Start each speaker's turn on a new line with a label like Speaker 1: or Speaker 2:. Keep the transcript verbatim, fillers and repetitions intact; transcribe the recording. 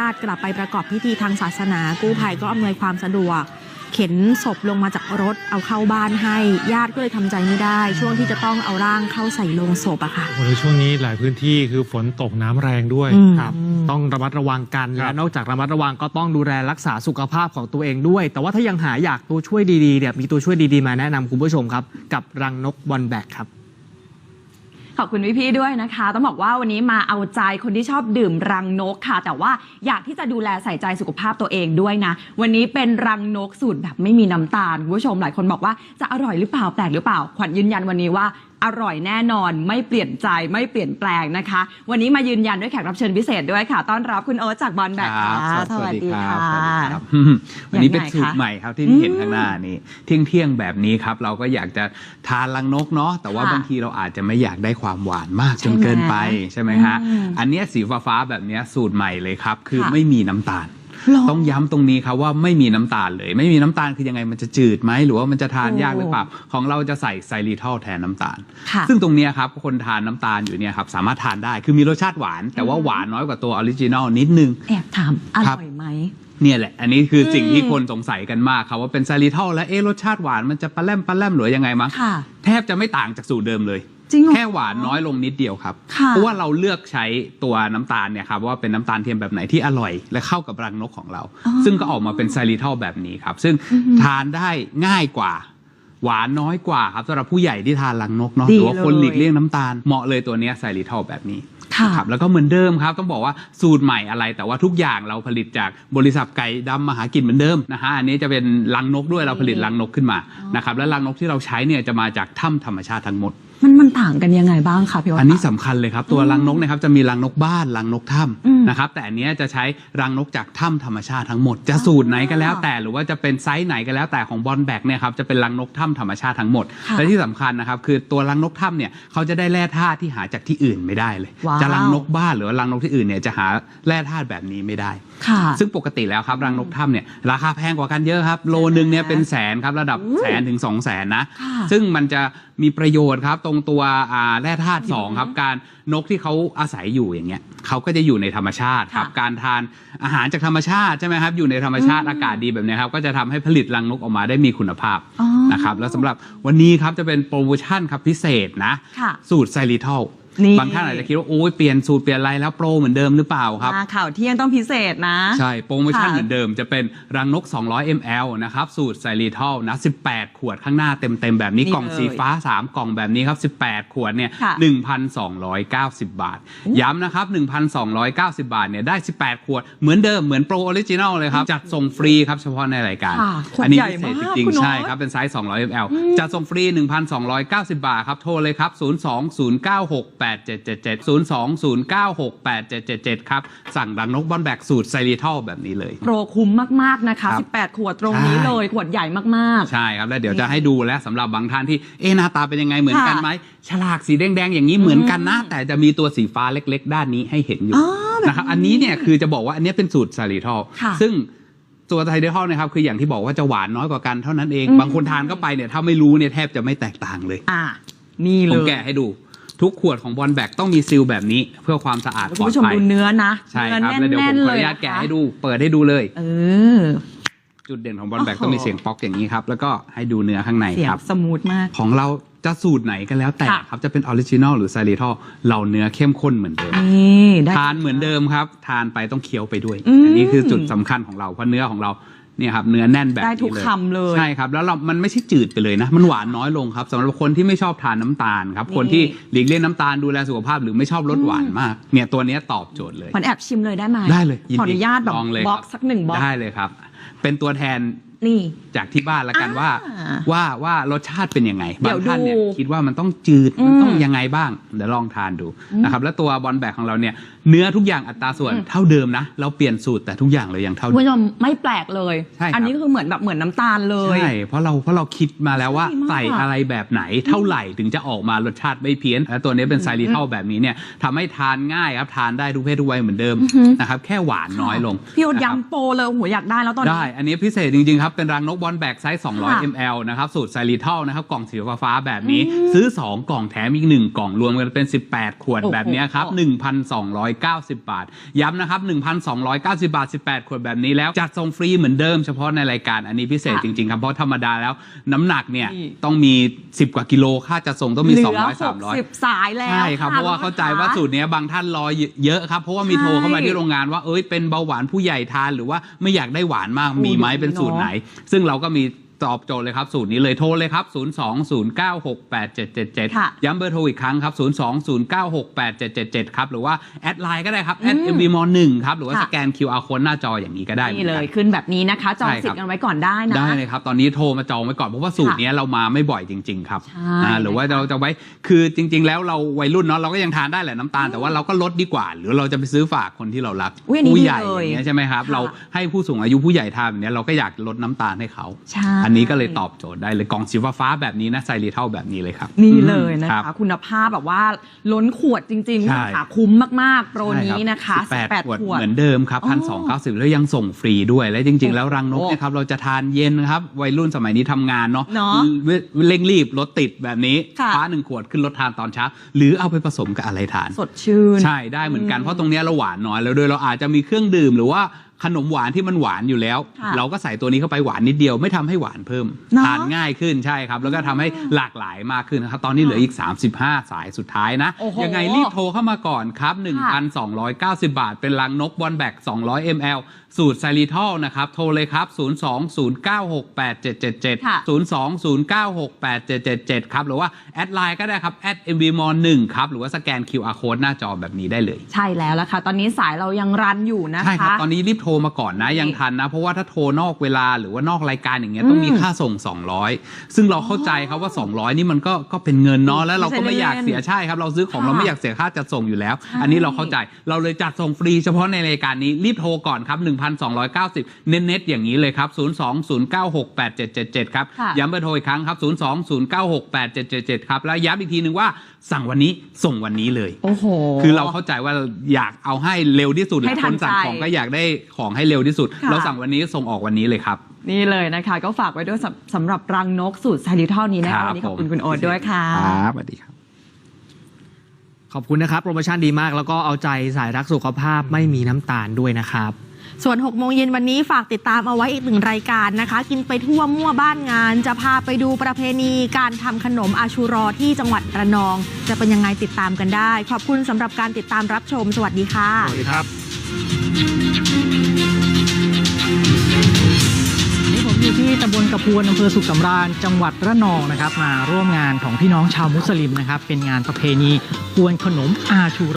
Speaker 1: าติกลับไปประกอบพิธีทางศาสนากู้ภัยก็อำนวยความสะดวกเข็นศพลงมาจากรถเอาเข้าบ้านให้ญาติก็เลยทำใจไม่ได้ช่วงที่จะต้องเอาร่างเข้าใส่โลงศพอะค่ะ
Speaker 2: ในช่วงนี้หลายพื้นที่คือฝนตกน้ำแรงด้วย
Speaker 3: ครับต้องระมัดระวังกันและนอกจากระมัดระวังก็ต้องดูแลรักษาสุขภาพของตัวเองด้วยแต่ว่าถ้ายังหาอยากตัวช่วยดีๆเนี่ยมีตัวช่วยดีๆมาแนะนำคุณผู้ชมครับกับรังนกบอลแบกครับ
Speaker 4: ขอบคุณพี่ๆด้วยนะคะต้องบอกว่าวันนี้มาเอาใจคนที่ชอบดื่มรังนกค่ะแต่ว่าอยากที่จะดูแลใส่ใจสุขภาพตัวเองด้วยนะวันนี้เป็นรังนกสูตรแบบไม่มีน้ำตาลคุณผู้ชมหลายคนบอกว่าจะอร่อยหรือเปล่าแปลกหรือเปล่าขวัญยืนยันวันนี้ว่าอร่อยแน่นอนไม่เปลี่ยนใจไม่เปลี่ยนแปลงนะคะวันนี้มายืนยันด้วยแขกรับเชิญพิเศษด้วยค่ะต้อนรับคุณโอ๊ตจากบอลแบกค่ะ
Speaker 5: สวัสดีค่ะวันนี้เป็นสูตรใหม่ครับที่เห็นข้างหน้านี้เที่ยงเที่ยงแบบนี้ครับเราก็อยากจะทานรังนกเนาะแต่ว่าบางทีเราอาจจะไม่อยากได้ความหวานมากจนเกินไปใช่ไหมฮะอันนี้สีฟ้าๆแบบนี้สูตรใหม่เลยครับคือไม่มีน้ำตาลต้องย้ำตรงนี้ครับว่าไม่มีน้ำตาลเลยไม่มีน้ำตาลคือยังไงมันจะจืดไหมหรือว่ามันจะทานยากหรือเปล่าของเราจะใส่ไซริทอลแทนน้ำตาลซึ่งตรงนี้ครับคนทานน้ำตาลอยู่เนี่ยครับสามารถทานได้คือมีรสชาติหวานแต่ว่าหวานน้อยกว่าตัวออริจินอลนิดนึง
Speaker 4: แอบถามอร่อยไหม
Speaker 5: เนี่ยแหละอันนี้คือสิ่งที่คนสงสัยกันมากครับว่าเป็นไซริทอลแล้วเอ๊ะรสชาติหวานมันจะปลาแรมปลาแรมหรือยังไงมั้งแทบจะไม่ต่างจากสูตรเดิมเลยแค่หวานน้อยลงนิดเดียวครับเพราะว่าเราเลือกใช้ตัวน้ำตาลเนี่ยครับว่าเป็นน้ำตาลเทียมแบบไหนที่อร่อยและเข้ากับรังนกของเราซึ่งก็ออกมาเป็นไซริทอลแบบนี้ครับซึ่งทานได้ง่ายกว่าหวานน้อยกว่าครับสำหรับผู้ใหญ่ที่ทานรังนกเนาะหรือว่าคนหลีกเลี่ยงน้ำตาลเหมาะเลยตัวนี้ไซริทอลแบบนี้ครับแล้วก็เหมือนเดิมครับต้องบอกว่าสูตรใหม่อะไรแต่ว่าทุกอย่างเราผลิตจากบริษัทไก่ดำมหากินเหมือนเดิมนะฮะอันนี้จะเป็นรังนกด้วยเราผลิตรังนกขึ้นมานะครับและรังนกที่เราใช้เนี่ยจะมาจากถ้ำธรรมชาติทั้งหมด
Speaker 4: มันมันต่างกันยังไงบ้างคะพี่ว่า
Speaker 5: อันนี้สำคัญเลยครับตัวรังนกนะครับจะมีรังนกบ้านรังนกถ้ำนะครับแต่อันนี้จะใช้รังนกจากถ้ำธรรมชาติทั้งหมดจะสูตรไหนก็แล้วแต่หรือว่าจะเป็นไซส์ไหนก็แล้วแต่ของบอลแบกเนี่ยครับจะเป็นรังนกถ้ำธรรมชาติทั้งหมดและที่สำคัญนะครับคือตัวรังนกถ้ำเนี่ยเขาจะได้แร่ธาตุที่หาจากที่อื่นไม่ได้เลยจะรังนกบ้านหรือรังนกที่อื่นเนี่ยจะหาแร่ธาตุแบบนี้ไม่ได้ซึ่งปกติแล้วครับรังนกถ้ำเนี่ยราคาแพงกว่ากันเยอะครับโลนึงเนี่ยเป็นแสนครับระดับแสนถึงสองแสนนะซึ่งมันจะมีประโยชน์ครับตรงตัวแร่ธาตุสองครับการนกที่เขาอาศัยอยู่อย่างเงี้ยเขาก็จะอยู่ในธรรมชาติครับการทานอาหารจากธรรมชาติใช่ไหมครับอยู่ในธรรมชาติอากาศดีแบบนี้ครับก็จะทำให้ผลิตรังนกออกมาได้มีคุณภาพนะครับแล้วสำหรับวันนี้ครับจะเป็นโปรโมชั่นครับพิเศษนะสูตรไซริทอลบางท่านอาจจะคิดว่าโอ้ยเปลี่ยนสูตรเปลี่ยนอะไรแล้วโปรเหมือนเดิมหรือเปล่าครับ
Speaker 4: ข่าวเที่ยงต้องพิเศษนะ
Speaker 5: ใช่โปรโมชั่นเหมือนเดิมจะเป็นรังนกสองร้อยมิลลิลิตรนะครับสูตรไซริทอลนะสิบแปดขวดข้างหน้าเต็มๆแบบนี้กล่องสีฟ้าสามกล่องแบบนี้ครับสิบแปดขวดเนี่ย หนึ่งพันสองร้อยเก้าสิบ บาทย้ำนะครับ หนึ่งพันสองร้อยเก้าสิบ บาทเนี่ยได้สิบแปดขวดเหมือนเดิมเหมือนโปรออริจินัลเลยครับจัดส่งฟรีครับเฉพาะในรายการอันนี้พิเศษจริงๆใช่ครับเป็นไซส์สองร้อยมิลลิลิตรจัดส่งฟรี หนึ่งพันสองร้อยเก้าสิบ บาทครับโทรเลยครับศูนย์ สอง ศูนย์ เก้า หก แปด เจ็ด เจ็ด เจ็ด ศูนย์ สอง ศูนย์ เก้า หก แปด เจ็ด เจ็ด เจ็ดครับสั่งรังนกบอลแบกสูตรไซริทอลแบบนี้เลย
Speaker 4: โปรคุ้มมากๆนะคะสิบแปดขวดตรงนี้เลยขวดใหญ่มาก
Speaker 5: ๆใช่ครับแล้วเดี๋ยวจะให้ดูและสำหรับบางท่านที่เอ๊ะหน้าตาเป็นยังไงเหมือนกันไหมฉลากสีแดงๆอย่างนี้เหมือนกันนะแต่จะมีตัวสีฟ้าเล็กๆด้านนี้ให้เห็นอยู่นะครับอันนี้เนี่ยคือจะบอกว่าอันนี้เป็นสูตรไซริทอลซึ่งตัวไซริทอลนะครับคืออย่างที่บอกว่าจะหวานน้อยกว่ากันเท่านั้นเองบางคนทานเข้าไปเนี่ยถ้าไม่รู้เนี่ยแทบจะไม่แตกต่างเลย
Speaker 4: อ่านี่เลย
Speaker 5: ผมแกะให้ดูทุกขวดของบอลแบกต้องมีซีลแบบนี้เพื่อความสะอาดปลอดภัยคุณ
Speaker 4: ผู้ชมดูเนื้อนะ
Speaker 5: ใช่ครับแล้วเดี๋ยวผมขออนุญาตแกะให้ดูเปิดให้ดูเลย
Speaker 4: เออ
Speaker 5: จุดเด่นของบอลแบกต้องมีเสียงป๊อกอย่างนี้ครับแล้วก็ให้ดูเนื้อข้างในครับ
Speaker 4: สมูทมาก
Speaker 5: ของเราจะสูตรไหนก็แล้วแต่ครับจะเป็นออริจินอลหรือไซริทอลเราเนื้อเข้มข้นเหมือนเดิมทานเหมือนเดิมครับทานไปต้องเคี้ยวไปด้วยอันนี้คือจุดสำคัญของเราเพราะเนื้อของเราเนี่ยครับเนื้อแน่นแบบนี้เลยได้ทุกคำเลยใช่ครับแล้วเรามันไม่ใช่จืดไปเลยนะมันหวานน้อยลงครับสำหรับคนที่ไม่ชอบทานน้ำตาลครับคนที่หลีกเลี่ยงน้ำตาลดูแลสุขภาพหรือไม่ชอบรสหวานมากเนี่ยตัวนี้ตอบโจทย์เลย
Speaker 4: ขอแอบชิมเลยได้ไหม
Speaker 5: ได้เลย
Speaker 4: ขออนุญาตแบบบ็อกสักหนึ่งบ็อก
Speaker 5: ได้เลยครับเป็นตัวแทน
Speaker 4: นี่
Speaker 5: จากที่บ้านละกันว่าว่าว่ารสชาติเป็นยังไงบางท่านเนี่ยคิดว่ามันต้องจืดมันต้องยังไงบ้างเดี๋ยวลองทานดูนะครับแล้วตัวบอลแบกของเราเนี่ยเนื้อทุกอย่างอัตราส่วนเท่าเดิมนะเราเปลี่ยนสูตรแต่ทุกอย่างเลยยังเท่าเดิม
Speaker 4: คุณผู้ชมไม่แปลกเลยอันนี้คือเหมือนแบบเหมือนน้ำตาลเลย
Speaker 5: ใช่เพราะเราเพราะเราคิดมาแล้วว่าใส่อะไรแบบไหนเท่าไหร่ถึงจะออกมารสชาติไม่เพี้ยนและตัวนี้เป็นไซริทอลแบบนี้เนี่ยทำให้ทานง่ายครับทานได้ทุกเพศทุกวัยเหมือนเดิมนะครับแค่หวานน้อยลง
Speaker 4: พี่โอ๊ตย้ำโปรเลยหัวอยากได้แล้วตอนนี้
Speaker 5: ได้อันนี้พิเศษจริงๆครับเป็นรังนกบอลแบกไซส์สองร้อยมิลลิลิตรนะครับสูตรไซริทอลนะครับกล่องสีฟ้าๆแบบนี้ซื้อสองกล่องแถมอีกหนึ่งกล่องรวมกันเป็นสิบแปดขวดแบบนี้ครับ หนึ่งพันสองร้อยเก้าสิบบาทย้ำนะครับ หนึ่งพันสองร้อยเก้าสิบบาทสิบแปดขวดแบบนี้แล้วจัดส่งฟรีเหมือนเดิมเฉพาะในรายการอันนี้พิเศษจริงๆครับเพราะธรรมดาแล้วน้ำหนักเนี่ยต้องมีสิบกว่ากิโลค่าจัดส่งต้องมีสองร้อย สามร้อย
Speaker 4: เหลือหกสิบสายแล้ว
Speaker 5: ใช่ครับเพราะว่าเข้าใจว่าสูตรนี้บางท่านรอเยอะครับเพราะว่ามีโทรเข้ามาที่โรงงานว่าเอ้ยเป็นเบาหวานผู้ใหญ่ทานหรือว่าไม่อยากได้หวานมากมีไหมเป็นสูตรไหนซึ่งเราก็มีตอบโจทย์เลยครับสูตรนี้เลยโทรเลยครับศูนย์ สอง ศูนย์ เก้า หก แปด เจ็ด เจ็ด เจ็ด
Speaker 4: ค่ะ
Speaker 5: ย้ำเบอร์โทรอีกครั้งครับศูนย์ สอง ศูนย์ เก้า หก แปด เจ็ด เจ็ด เจ็ดครับหรือว่าแอดไลน์ก็ได้ครับแอด เอ็ม วี ม หนึ่งครับหรือว่า
Speaker 4: ค่ะ
Speaker 5: สแกน คิว อาร์ Code หน้าจออย่างนี้ก็ได้หมื
Speaker 4: นี่
Speaker 5: อน
Speaker 4: เล
Speaker 5: กั
Speaker 4: ย
Speaker 5: น
Speaker 4: ขึ้นแบบนี้นะคะจอง
Speaker 5: ใช่ครับ
Speaker 4: สิทธิ์กันไว้ก่อนได้นะ
Speaker 5: ได้เลยครับตอนนี้โทรมาจองไว้ก่อนเพราะว่าสูตรนี้เรามาไม่บ่อยจริง ๆ ครับ
Speaker 4: ใช่
Speaker 5: อ่าหรือว่าเราจะไว้คือจริง ๆ แล้วเราวัยรุ่นเนาะเราก็ยังทานได้แหละน้ำตาลแต่ว่าเราก็ลดดีกว่า หรือเราจะไปซื้อฝากคนที่เรารัก
Speaker 4: อุ๊ยอันนี้
Speaker 5: ผู้ใหญ่
Speaker 4: ดีเลย
Speaker 5: อย่างเงี้ยใช่ไหมครับ
Speaker 4: ค่ะ
Speaker 5: เราให้ผู้สูงอายุผู้ใหญ่ทานแบบเนี้ยเราก็อยากลดน้ำตาลให้เขา
Speaker 4: ใช่
Speaker 5: อันนี้ก็เลยตอบโจทย์ได้เลยกล่องสีฟ้าๆแบบนี้นะไซริเท่าแบบนี้เลยครับ
Speaker 4: นี่เลยนะ
Speaker 5: รั
Speaker 4: คะ
Speaker 5: บ
Speaker 4: คุณภาพแบบว่าล้นขวดจริงๆ
Speaker 5: ใช่
Speaker 4: คุณค่ะคุ้มมากๆ โปรนี้นะคะ
Speaker 5: สิบแปด
Speaker 4: สิบแปด
Speaker 5: ขวด
Speaker 4: ขวด
Speaker 5: เหมือนเดิมครับ
Speaker 4: อ๋อ
Speaker 5: พันสองเก้าสิบแล้วยังส่งฟรีด้วยและจริง ๆ แล้วรังนกเนี่ยครับเราจะทานเย็นครับวัยรุ่นสมัยนี้ทำงานเนาะ
Speaker 4: เนาะ
Speaker 5: เร่งรีบรถติดแบบนี้
Speaker 4: ค่ะ
Speaker 5: คว้าหนึ่งขวดขึ้นรถทานตอนเช้าหรือเอาไปผสมกับอะไรทาน
Speaker 4: สดชื่น
Speaker 5: ใช่ได้เหมือนกันเพราะตรงเนี้ยเราหวานน้อยแล้วโดยเราอาจจะมีเครื่องดื่มหรือว่าขนมหวานที่มันหวานอยู่แล้ว
Speaker 4: ค่ะ
Speaker 5: เราก็ใส่ตัวนี้เข้าไปหวานนิดเดียวไม่ทำให้หวานเพิ่ม
Speaker 4: เนอะ
Speaker 5: ทานง่ายขึ้นใช่ครับแล้วก็ทำให้หลากหลายมากขึ้นนะครับตอนนี้เหลืออีกสามสิบห้าสายสุดท้ายนะ
Speaker 4: โอ้โห
Speaker 5: ยังไงรีบโทรเข้ามาก่อนครับ หนึ่งพันสองร้อยเก้าสิบ บาท เป็นลังนกบอลแบกสองร้อยมิลลิลิตร สูตรไซริทอลนะครับโทรเลยครับศูนย์ สอง ศูนย์ เก้า หก แปด เจ็ด เจ็ด เจ็ด
Speaker 4: ค่ะ
Speaker 5: ศูนย์ สอง ศูนย์ เก้า หก แปด เจ็ด เจ็ด เจ็ดครับหรือว่าแอดไลน์ก็ได้ครับแอด เอ็ม วี ม หนึ่งครับหรือว่าสแกน คิว อาร์ Code หน้าจอแบบนี้ได้เลย
Speaker 4: ใช่แล้วล่ะค่ะ ตอนนี้สายเรายังรันอยู่นะคะ
Speaker 5: ใช่ครับ ตอนนี้รีบโทรมาก่อนนะ ยังทันนะ เพราะว่าถ้าโทรนอกเวลาหรือว่านอกรายการอย่างเงี้ยต้องมีค่าส่ง สองร้อย ซึ่งเราเข้าใจครับว่า สองร้อย นี่มันก็ก็เป็นเงินเนาะแล้วเราก็ไม่อยากเสียใช่ครับ เราซื้อของ
Speaker 4: ค่ะ
Speaker 5: เราไม่อยากเสียค่าจัดส่งอยู่แล้ว
Speaker 4: ใช่
Speaker 5: อันนี้เราเข้าใจเราเลยจัดส่งฟรีเฉพาะในรายการนี้รีบโทรก่อนครับ หนึ่งพันสองร้อยเก้าสิบ เน็ตๆอย่างนี้เลยครับศูนย์ สอง ศูนย์ เก้า หก แปด เจ็ด เจ็ด เจ็ดครับ
Speaker 4: ค่ะ
Speaker 5: ย้ำเบอร์โทรอีกครั้งครับศูนย์ สอง ศูนย์ เก้า หก แปด เจ็ด เจ็ด เจ็ดครับแล้วย้ำอีกทีนึงว่าสั่งวันนี้ส่งวันนี้เลย
Speaker 4: โอ้โห
Speaker 5: คือเราเข้าใจว่าอยากเอาให้เร็วที่สุด
Speaker 4: ให้
Speaker 5: แหละ
Speaker 4: ทั
Speaker 5: คน นสั่ง
Speaker 4: ใจ
Speaker 5: ของก็อยากได้ของให้เร็วที่สุด
Speaker 4: ค่ะ
Speaker 5: เราสั่งวันนี้ส่งออกวันนี้เลยครับ
Speaker 4: นี่เลยนะคะ ก็ฝากไว้ด้วยสำสำหรับรังนกสูตรไซริทอลนี้นะ
Speaker 5: ครั
Speaker 4: คะ
Speaker 5: บ
Speaker 4: วันนี้ขอบคุณ
Speaker 5: ผม
Speaker 4: คุณโอ๊ตด้วยค่ะ
Speaker 5: ครับสวัสดีครับ
Speaker 3: ขอบคุณนะครับโปรโมชั่นดีมากแล้วก็เอาใจสายรักสุขภาพไม่มีน้ำตาลด้วยนะครับ
Speaker 1: ส่วนหกโมงเย็นวันนี้ฝากติดตามเอาไว้อีกหนึ่งรายการนะคะ กินไปทั่วมั่วบ้านงาน จะพาไปดูประเพณีการทำขนมอาชูรอที่จังหวัดระนอง จะเป็นยังไงติดตามกันได้ ขอบคุณสำหรับการติดตามรับชม สวัสดีค่ะ
Speaker 3: สวัสดีครับ
Speaker 6: นี่ผมอยู่ที่ตำบลกระพวนอำเภอสุขสำราญจังหวัดระนองนะครับมาร่วมงานของพี่น้องชาวมุสลิมนะครับเป็นงานประเพณีกวนขนมอาชู